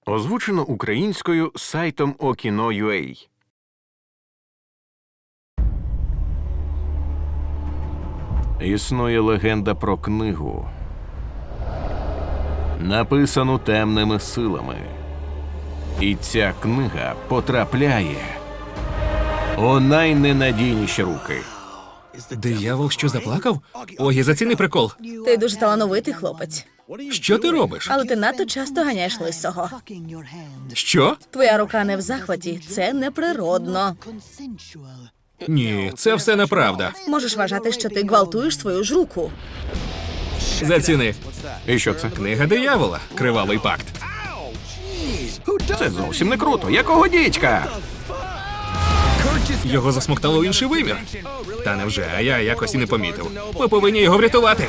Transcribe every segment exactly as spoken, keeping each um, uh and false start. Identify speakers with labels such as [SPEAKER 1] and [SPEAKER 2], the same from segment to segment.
[SPEAKER 1] Озвучено українською сайтом Okino.ua. Існує легенда про книгу, написану темними силами. І ця книга потрапляє у найненадійніші руки.
[SPEAKER 2] Диявол, що заплакав? Ой, заціни прикол.
[SPEAKER 3] Ти дуже талановитий хлопець,
[SPEAKER 2] Що ти робиш?
[SPEAKER 3] але ти надто часто ганяєш лисого.
[SPEAKER 2] Що?
[SPEAKER 3] Твоя рука не в захваті, це неприродно.
[SPEAKER 2] Ні, це все неправда.
[SPEAKER 3] Можеш вважати, що ти гвалтуєш свою ж руку.
[SPEAKER 2] Заціни.
[SPEAKER 1] І що це?
[SPEAKER 2] Книга диявола. Кривавий пакт.
[SPEAKER 1] Це зовсім не круто. Якого дідька?
[SPEAKER 2] Його засмоктало в інший вимір. Та невже, а я якось і не помітив. Ми повинні його врятувати.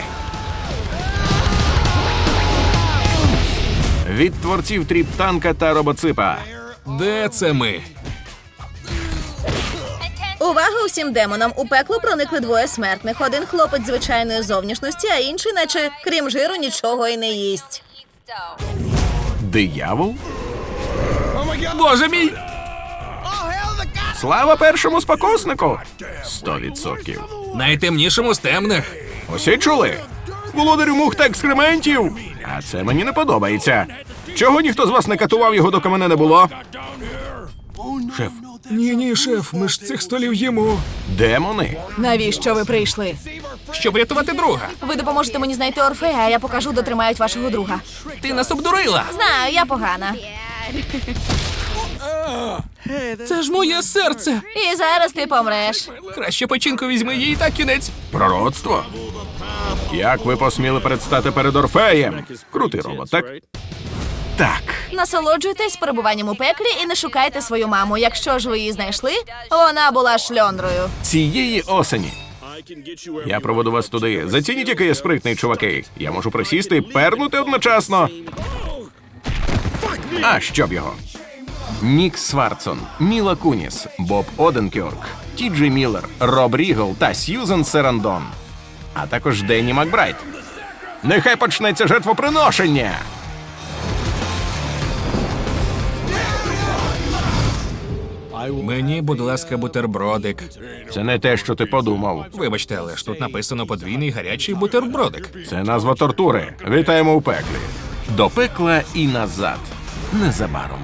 [SPEAKER 1] Від творців Тріп-танка та Робоципа.
[SPEAKER 2] Де це ми?
[SPEAKER 3] Увага усім демонам! У пекло проникли двоє смертних. Один хлопець звичайної зовнішності, а інший, наче, крім жиру, нічого й не їсть.
[SPEAKER 1] Диявол?
[SPEAKER 2] Боже мій!
[SPEAKER 1] Слава першому спокуснику! Сто відсотків.
[SPEAKER 2] Найтемнішому з темних.
[SPEAKER 1] Усі чули? Володарю мух та екскрементів! А це мені не подобається. Чого ніхто з вас не катував його, доки мене не було? Шеф,
[SPEAKER 2] Ні-ні, шеф, ми ж цих столів їмо.
[SPEAKER 1] демони?
[SPEAKER 3] Навіщо ви прийшли?
[SPEAKER 2] Щоб рятувати друга.
[SPEAKER 3] Ви допоможете мені знайти Орфея, а я покажу, де тримають вашого друга.
[SPEAKER 2] Ти нас обдурила.
[SPEAKER 3] Знаю, я погана.
[SPEAKER 2] Це ж моє серце.
[SPEAKER 3] І зараз ти помреш.
[SPEAKER 2] Краще печінку візьми їй та кінець.
[SPEAKER 1] Пророцтво? Як ви посміли предстати перед Орфеєм? Крутий робот, так? Так.
[SPEAKER 3] Насолоджуйтесь перебуванням у пеклі і не шукайте свою маму. Якщо ж ви її знайшли, вона була шльондрою.
[SPEAKER 1] Цієї осені я проведу вас туди. Зацініть, який я спритний, чуваки. Я можу присісти і пернути одночасно. А щоб його. Нік Свардсон, Міла Куніс, Боб Оденкьорк, Ті Джей Міллер, Роб Рігл та Сьюзен Сарандон. А також Денні Макбрайт. Нехай почнеться жертвоприношення!
[SPEAKER 2] Мені, будь ласка, бутербродик.
[SPEAKER 1] Це не те, що ти подумав.
[SPEAKER 2] Вибачте, але ж тут написано подвійний гарячий бутербродик.
[SPEAKER 1] Це назва тортури. Вітаємо у пеклі. До пекла і назад. Незабаром.